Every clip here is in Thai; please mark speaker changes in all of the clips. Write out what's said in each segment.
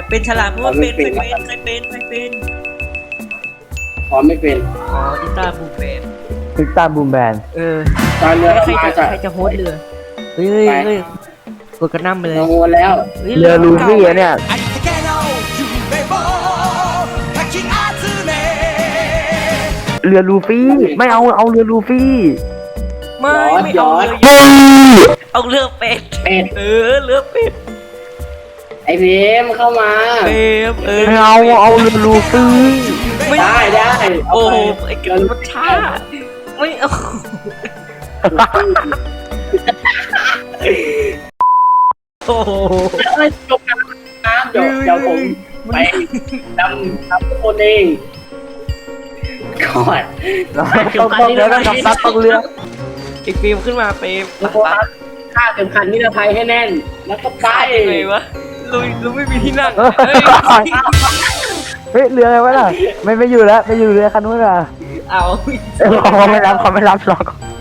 Speaker 1: เป็นฉลามเพราะว่าเป็นใครเป็น
Speaker 2: อ๋อไม่เป็น
Speaker 1: อ๋ออีตาบูแบน
Speaker 3: ติดตามบูมแบน
Speaker 2: ตอนเรือ
Speaker 1: แล้วใคร
Speaker 2: มา
Speaker 1: จะโฮสเรือเฮ้ยกดกระน้ำไปเลย
Speaker 2: ลงวนแล้ว
Speaker 3: เรือลูฟี่อะเนี่ยเรือลูฟี่ไม่เอาเรือลูฟี่
Speaker 1: ไม่เอาเรือเป็ด
Speaker 2: เป็ด
Speaker 1: เรือเป็ด
Speaker 2: ไอเพมเข้ามา
Speaker 3: ไม่เอาเรือลูฟี่
Speaker 2: ได้
Speaker 1: โอ้ไอ้เกินมันช้าไม่เอาโอ้โห
Speaker 2: จบน้ำเดี๋ยวผมไปนำทุกคนเองก่อน
Speaker 3: ต้องเรือต้องกำซัดต้องเรือ
Speaker 1: ไอ้ฟิล์มขึ้นมาเฟรม
Speaker 2: แล้วก็ฆ่าเข็มขัดนิรภัยให้แน่นแล้วก็ไป
Speaker 1: ยังไงวะลุยไม่มีที่นั่ง
Speaker 3: เฮ้ยเรืออะไรวะน่ะไม่อยู่แล้วไปอยู่เรือคันนู้นอ่ะ
Speaker 1: เอา
Speaker 3: เขาไม่รับหรอก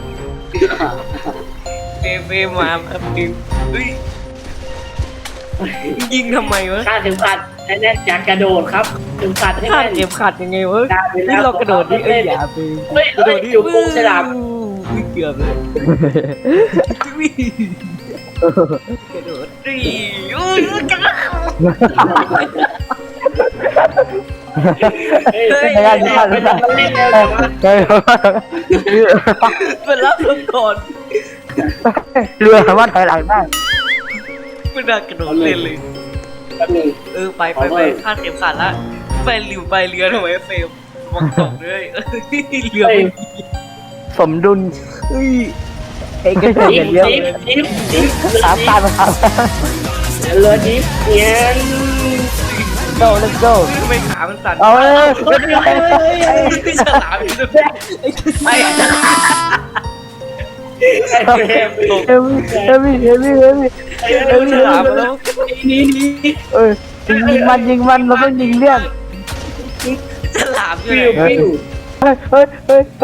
Speaker 1: เฟรมมาฟิล์มเฮ้ยยิงทำไมวะ
Speaker 2: ฆ่าเข็มขัดให้แน่นจากกระโดดครับเข็มขัดให้
Speaker 1: ข้า
Speaker 2: แน่น
Speaker 1: เก็บขัดยังไงวะ
Speaker 2: ได้ไปแล้ว
Speaker 1: นี่เรากระโดดนี่อย่าฟิล์ม
Speaker 2: เฮ้ย
Speaker 1: กระโดดนี่
Speaker 2: อยู่โกงฉลาม
Speaker 1: เกือบเลยกระโดดดิอุ้ยกัน
Speaker 3: ไม่ได้ไม่ได้ไม่ได้
Speaker 2: เล่นแล้ว
Speaker 1: เป็นรับลมก่อน
Speaker 3: เรือสามารถถอยหลังได้
Speaker 1: ไม่ได้กระโดดเล่นเลย
Speaker 2: แป๊บนึง
Speaker 1: ไปคาดเข็มขัดละไปหลิวไปเรือทำไมเฟลมองตกเลยเรือ
Speaker 3: สมดุลเอกเฉยเดียว
Speaker 2: จิ๊บ
Speaker 3: สามตาครับ
Speaker 2: เรือจิ๊บเนี่ย
Speaker 3: let's go
Speaker 1: ทำไมขามันสั่น
Speaker 3: เอาเลย
Speaker 1: ฉลามอยู่ด้วย
Speaker 2: ไอ้เฟรม
Speaker 3: เฮมี่
Speaker 1: ฉลามแล้ว
Speaker 2: นี่
Speaker 3: ยิงมันเราต้องยิงเลี่ยน
Speaker 1: ฉลามอยู่
Speaker 2: ฟิว
Speaker 3: เฮ้ย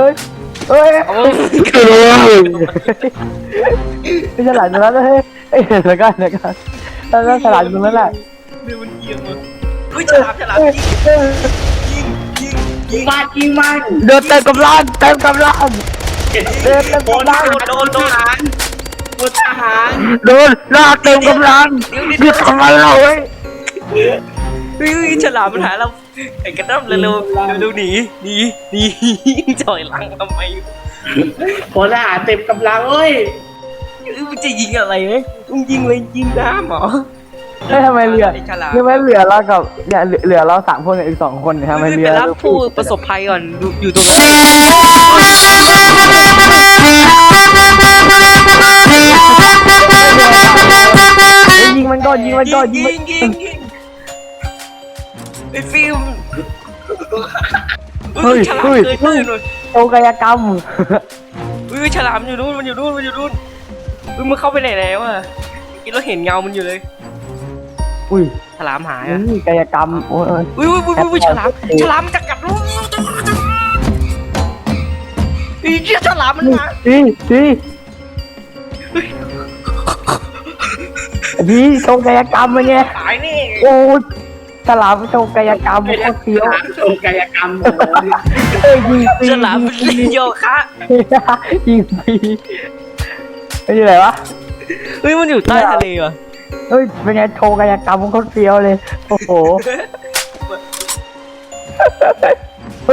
Speaker 3: ไม่ฉลาดตรงนั้นเลยเฮ้ยแล้วก็แล้วฉลาดตรงนั้นแหละ
Speaker 1: เรือมันเอียงเลยเฮ้ยฉลามยิง
Speaker 2: ฟาดยิงมัน
Speaker 3: เดินเต็มกำลังโดน
Speaker 2: ทหาร
Speaker 3: โดนลากเต็มกำลังหยุดทำไมเราเว้ย
Speaker 1: ฉลามมันหาเราไอ้กระด้ำเร็วหนีจ่อยหลังทำไม
Speaker 2: พลทหารเต็มกำลังเอ้ย
Speaker 1: มึงจะยิงอะไรเนี่ยมึงยิงเลยยิงน้ำเหรอ
Speaker 3: ทำไมเรือเรากับเนี่ยเหลือเรา3 คนกับอีก2 คนทำไมเรือ
Speaker 1: ไปรับผู้ประสบภัยก่อนอยู่ตรงนั้น
Speaker 3: ยิงมันก่อนยิง
Speaker 1: ไอ้ฟิล์มฉลามเกินเลยหน่อย
Speaker 3: โอกายกรรม
Speaker 1: ฉลามอยู่นู่นมันอยู่นู่นมันเข้าไปไหนแล้วอ่ะกินเราเห็นเงามันอยู่เลย
Speaker 3: อุ้ย
Speaker 1: ฉลามหายอ่ะ
Speaker 3: กายกรรมโอ้ย
Speaker 1: ฉลามมันจะกัดลูกฉลามมันมา
Speaker 3: พี่โชว์กายกรรมมาไง
Speaker 1: ตายนี่
Speaker 3: โอ้ฉลามโชว์กายกรรมโคตรเฟี้ยว
Speaker 2: โชว์กายกรรม
Speaker 3: ยิงปี
Speaker 1: ฉลามมันเล่นโยคะ
Speaker 3: ยิงปีไม่ใช่ไรวะ
Speaker 1: มันอยู่ใต้ทะเลว่ะ
Speaker 3: เป็นไงโชว์กายกรรมโคตรเฟี้ยวเลยโอ้โหเ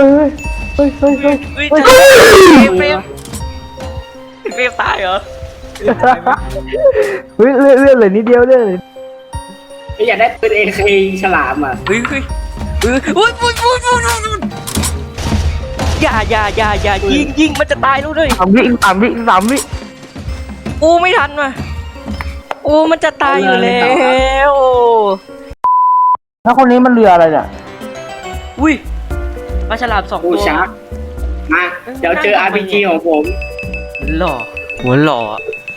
Speaker 1: ฟรมตายเหรอ
Speaker 3: เลื่อนเลยนิดเดียวเลย
Speaker 2: อยากได้ปืนAK ฉลามอ่ะ
Speaker 1: อย่ายิงมันจะตายแล้วด้วย
Speaker 3: 3 วิ
Speaker 1: ไม่ทันว่ะมันจะตายอยู่แล้ว
Speaker 3: แล้วคนนี้มันเรืออะไรเนี่ย
Speaker 1: ปลาฉลาม2
Speaker 2: กู
Speaker 1: ตัว
Speaker 2: ชักมาเดี๋ยวเจอ RPG ของผม
Speaker 1: หัวหล่อ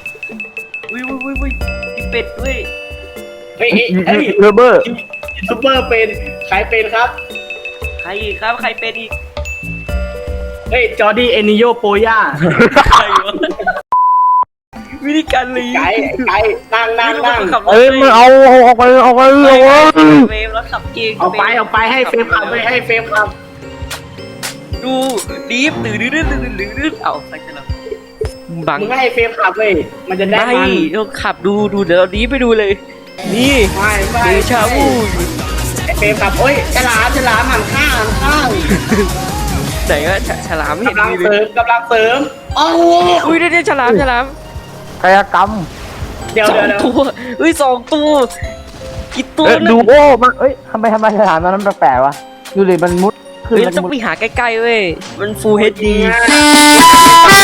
Speaker 1: เป็ดเว้ย
Speaker 2: เฮ้ย
Speaker 3: เรือเบอร์
Speaker 2: ซูเปอร์เป็นใครเป็นครับ
Speaker 1: ใครอีกครับใครเป็นอีก
Speaker 2: เฮ้ยจอร์ดี้เอนิโยโปย่า
Speaker 1: ใครวะวิธีการลี
Speaker 2: ไก่นั่ง
Speaker 3: เอ้ยมันเอาออกไปเลย
Speaker 1: เวฟแล้วขับเก่ง
Speaker 2: เอาไปให้เฟรมขับไปให้เฟรมขับ
Speaker 1: ดูดีฟดื้อเอาใส่ฉลามบัง
Speaker 2: มึงให้เฟรมขับเว้ยมันจะได้
Speaker 1: ไม่
Speaker 2: มัน
Speaker 1: เราขับดูเดี๋ยวเราดีไปดูเลย นี่
Speaker 2: ไม่
Speaker 1: เดชาวู
Speaker 2: ไอเฟรมขับโอ้ยฉลามหันข้าง
Speaker 1: ไหนก็ฉลามไม่เห็น
Speaker 2: กำลัง
Speaker 1: มีเล
Speaker 2: เสริ
Speaker 1: ย
Speaker 2: มกำลังเสริมโอ้
Speaker 1: อุ้ยเดี๋ยวฉลาม
Speaker 3: กายกรรม
Speaker 2: เดี๋ยว
Speaker 1: สองตัวอุ้ย2 ตัวกี่ตัว
Speaker 3: ดูโอ้มันเอ้ยทำไมสถานนั้นแปลกๆวะดูเลยมันมุดขึ้น
Speaker 1: เฮ้ย
Speaker 3: มัน
Speaker 1: ต้อง
Speaker 3: มุด
Speaker 1: ไปหาใกล้ๆเว้ยมันฟูลเฮดดี
Speaker 2: เ